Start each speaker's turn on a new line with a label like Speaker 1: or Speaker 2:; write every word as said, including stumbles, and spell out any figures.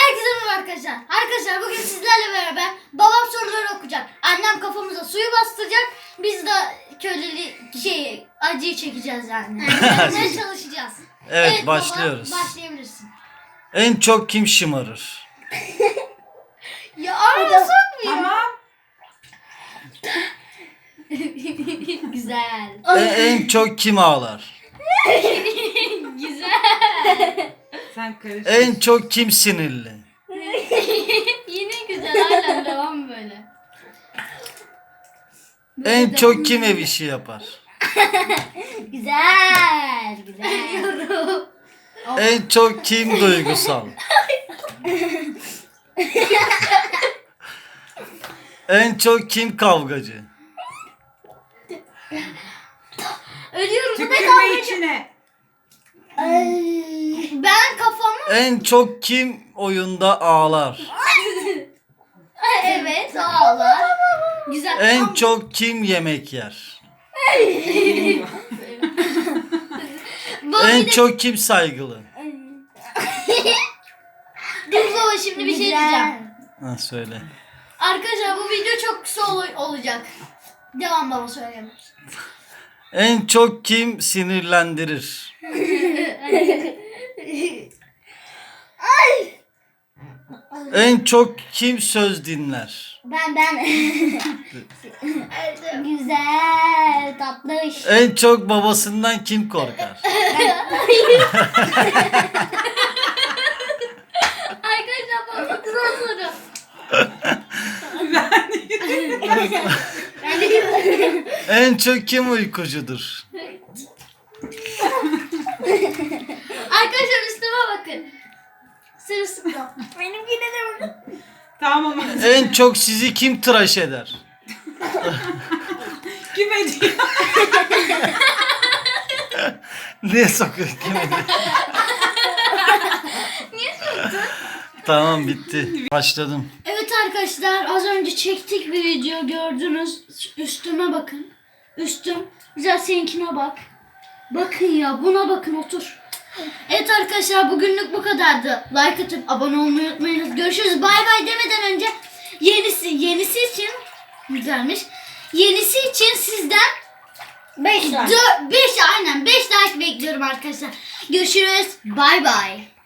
Speaker 1: Herkese merhaba arkadaşlar. Arkadaşlar bugün sizlerle beraber babam soruları okuyacak. Annem kafamıza suyu bastıracak. Biz de köylü şey acıyı çekeceğiz yani. Yapmaya çalışacağız.
Speaker 2: Evet, başlıyoruz.
Speaker 1: Baba, başlayabilirsin.
Speaker 2: En çok kim şımarır?
Speaker 1: Ya arada sokmuyor.
Speaker 3: Tamam.
Speaker 1: Güzel.
Speaker 2: E, en çok kim ağlar?
Speaker 1: Güzel.
Speaker 3: Sen karıştır.
Speaker 2: En çok kim sinirli?
Speaker 1: Yine güzel. Hala devam böyle.
Speaker 2: En çok kim ev işi yapar?
Speaker 1: Güzel. Güzel.
Speaker 2: En çok kim duygusal? En çok kim kavgacı?
Speaker 1: Ölüyorum. Bu ne
Speaker 3: Tükürme
Speaker 1: kavgacı?
Speaker 3: içine.
Speaker 1: Ben kafamı
Speaker 2: En çok kim oyunda ağlar?
Speaker 1: evet ağlar. Güzel.
Speaker 2: En
Speaker 1: Ama-
Speaker 2: çok kim yemek yer?
Speaker 1: Baba
Speaker 2: En
Speaker 1: bir de-
Speaker 2: çok kim saygılı?
Speaker 1: Dur baba şimdi bir şey diyeceğim.
Speaker 2: Ha, söyle.
Speaker 1: Arkadaşlar bu video çok kısa ol- olacak. Devam baba söyleme.
Speaker 2: En çok kim sinirlendirir? En çok kim söz dinler?
Speaker 1: Ben ben. Güzel tatlış.
Speaker 2: En çok babasından kim korkar?
Speaker 1: Arkadaşlar baba kısa soru. Ben de
Speaker 2: En çok kim uykucudur?
Speaker 1: Arkadaşlar üstüme bakın. Sırılsıklam. Benimkine de bakın.
Speaker 3: Tamam.
Speaker 2: En çok sizi kim tıraş eder?
Speaker 3: Kim ediyor?
Speaker 2: Niye sokuyor kim ediyor?
Speaker 1: Niye soktun?
Speaker 2: Tamam, bitti. Başladım.
Speaker 1: Evet arkadaşlar az önce çektik bir video gördünüz. Üstüme bakın. Üstüm. Güzel seninkine bak. Bakın ya buna bakın otur. Evet arkadaşlar bugünlük bu kadardı. Like atıp abone olmayı unutmayınız. Görüşürüz. Bay bay demeden önce yenisi yenisi için güzelmiş. Yenisi için sizden beş like. beş aynen beş like bekliyorum arkadaşlar. Görüşürüz. Bay bay.